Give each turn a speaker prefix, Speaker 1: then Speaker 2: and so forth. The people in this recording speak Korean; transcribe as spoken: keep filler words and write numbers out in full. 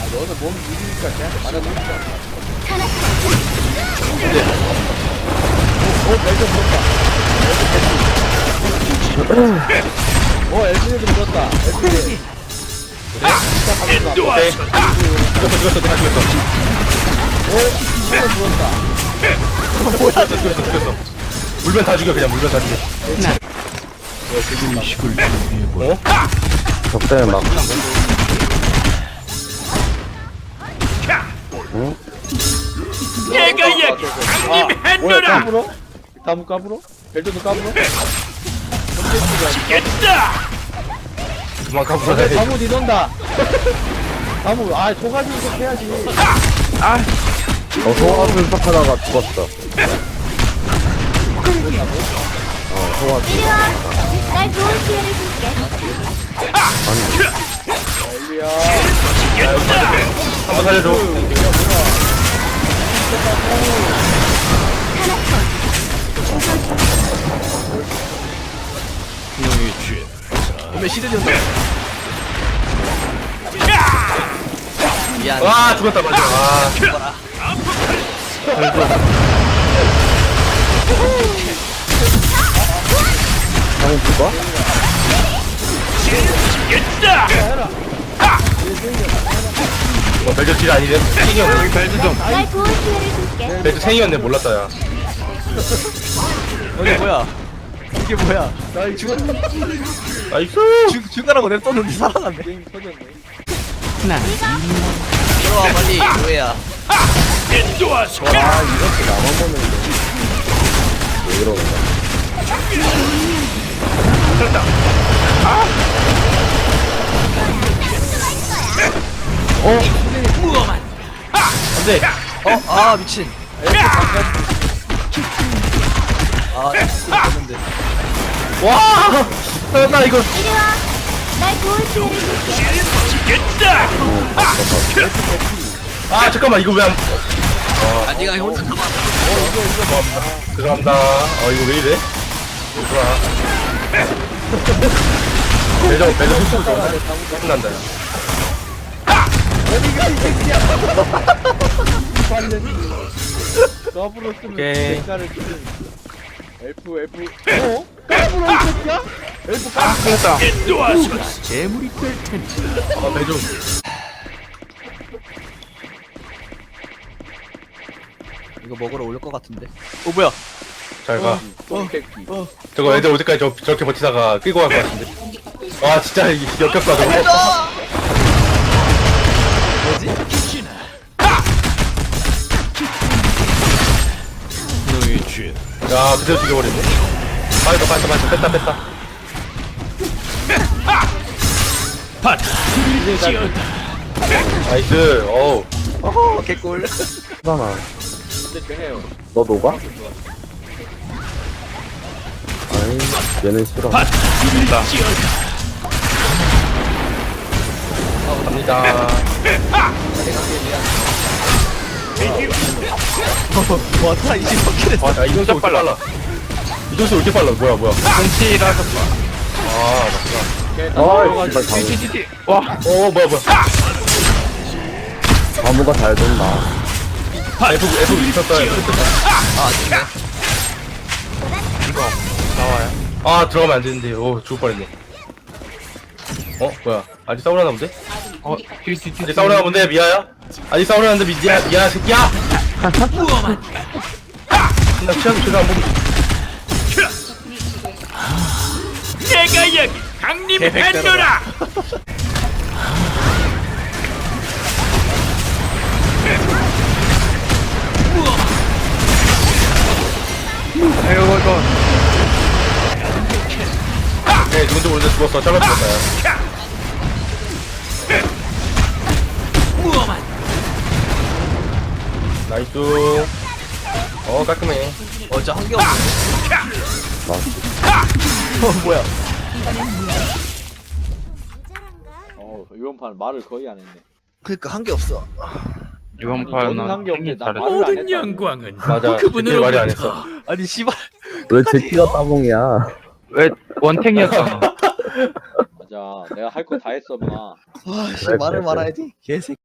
Speaker 1: 너는 몸 느리니까 걔한테 맞아놓자.
Speaker 2: 근데
Speaker 1: 오, 벨트 물었다. 오, 엘지도 물었다. 엘지. 그래? 진짜 가면서.
Speaker 2: 오케이 죽였어 죽였어 내가 죽였어
Speaker 1: 오, 진짜 물었다.
Speaker 2: 죽였어 죽였어 죽였어 물면 다 죽여 그냥 물면 다 죽여 어?
Speaker 3: 적당히 막 응?
Speaker 4: 내가 여기
Speaker 1: 아, 뭐야,
Speaker 4: 강림했노라.
Speaker 1: 까불어? 다무 까불어? 벨트도 까불어?
Speaker 4: 겠다.
Speaker 2: 그만 가보자
Speaker 1: 근데 다무 니던다. 다무, 아, 소가지 이렇게 해야지.
Speaker 3: 어 소화술 척하다가 죽었어 어 소화술
Speaker 5: 이리 와. 날 좋은 기회를 줄게.
Speaker 1: 엘리야.
Speaker 2: 한번 살려줘
Speaker 4: 몸에 시들렸어. 미안.
Speaker 2: 와 죽었다 맞아 아
Speaker 4: 죽어라.
Speaker 3: 형은 죽어?
Speaker 4: 겠다.
Speaker 2: 뭐 벨트 질 아니네 생이었네 벨트 좀
Speaker 5: 날 좋은 기회를 줄게.
Speaker 2: 벨트 생이었네 몰랐다 야
Speaker 4: 이게 뭐야? 이게 뭐야?
Speaker 1: 나 이거 죽었다.
Speaker 2: 나이스
Speaker 4: 죽 죽으라고 냅뒀는데 살아났네.
Speaker 1: 게임 터졌네.
Speaker 4: 들어와 빨리 뭐야? 인도와서.
Speaker 3: 아 이렇게 나만 보는데 왜 이러는 거야
Speaker 2: 됐다
Speaker 4: 무엄한.
Speaker 2: 안돼
Speaker 4: 어, 아 미친. 아, 했는데.
Speaker 2: 와 나 이거
Speaker 5: 이리 와. 날 좋은 기회를 줄게.
Speaker 4: 겠다.
Speaker 2: 아 잠깐만 이거 왜안
Speaker 4: 아, 네가 혼자 가만.
Speaker 2: 죄송합니다 어 이거 왜 이래 좋아 배정 배정 흡수 좀 끝난다
Speaker 1: 까불어 쓰면
Speaker 2: 오케이.
Speaker 1: 대가를 주는 엘프 엘프. 어? 까불어 이 새끼야? 엘프 까불어.
Speaker 2: 끝났다
Speaker 4: 인도와서 재물이 될 테니.
Speaker 2: 아 배정
Speaker 4: 이거 먹으러 올 것 같은데. 어 뭐야?
Speaker 2: 잘가
Speaker 1: 똥새끼.
Speaker 2: 저거 애들 올 때까지 저, 저렇게 버티다가 끌고 갈 것 같은데 와 진짜 이 역겹다 저거
Speaker 4: 뭐지?
Speaker 2: 야 그대로 죽여버리네 빠졌다 빠졌다 빠졌다 뺐다 뺐다 나이스 어우
Speaker 4: 어 개꿀.
Speaker 3: 수단아
Speaker 1: 근데 되네요.
Speaker 3: 너 녹아? 아니 얘는 싫어
Speaker 2: 갑니다 갑니다
Speaker 4: 와타 이십오 킬했어.
Speaker 2: 아야 이동수 왜 이렇게 빨라 이동수 왜 이렇게 빨라 뭐야 뭐야 꽁치라서 아 맞구나
Speaker 1: 걔
Speaker 3: 아이
Speaker 1: 다
Speaker 3: 씨발
Speaker 1: 들어가지고.
Speaker 3: 다무
Speaker 2: 어 뭐야 뭐야
Speaker 3: 다무가 잘 돈다
Speaker 2: F F 미쳤다
Speaker 4: 아 진짜.
Speaker 2: 아 들어가면 안 되는데 오 죽을 뻔했네 어 뭐야 아직 싸우려나 본데? 어 아직 싸우려나 본데 미아야? 아직 싸우려나 본데 미야 미야 새끼야
Speaker 4: 무엄한.
Speaker 2: 나 취향 제대로 안 보고
Speaker 4: 내가 여기 강림했노라.
Speaker 2: 네 누군지 모르는데 죽었어 잘못 죽었다 야
Speaker 4: 무엄한.
Speaker 2: 나이스 어 깔끔해
Speaker 4: 어저 한 개 없는데. 어 뭐야?
Speaker 1: 어 이번 판 말을 거의 안 했네.
Speaker 4: 그니까 한 개 없어.
Speaker 1: 이번 판은 한게 없네. 나 말을 안
Speaker 4: 모든
Speaker 1: 했다.
Speaker 4: 영광은
Speaker 2: 맞아 그분을 말이 안 했어
Speaker 4: 아니 씨발.
Speaker 3: 왜 제키가 따봉이야
Speaker 6: 왜 원탱이었잖아.
Speaker 1: 맞아. 내가 할 거 다 했어, 마.
Speaker 4: 와, 씨
Speaker 3: 그래,
Speaker 4: 말을
Speaker 3: 그래,
Speaker 4: 말아야지. 개새끼.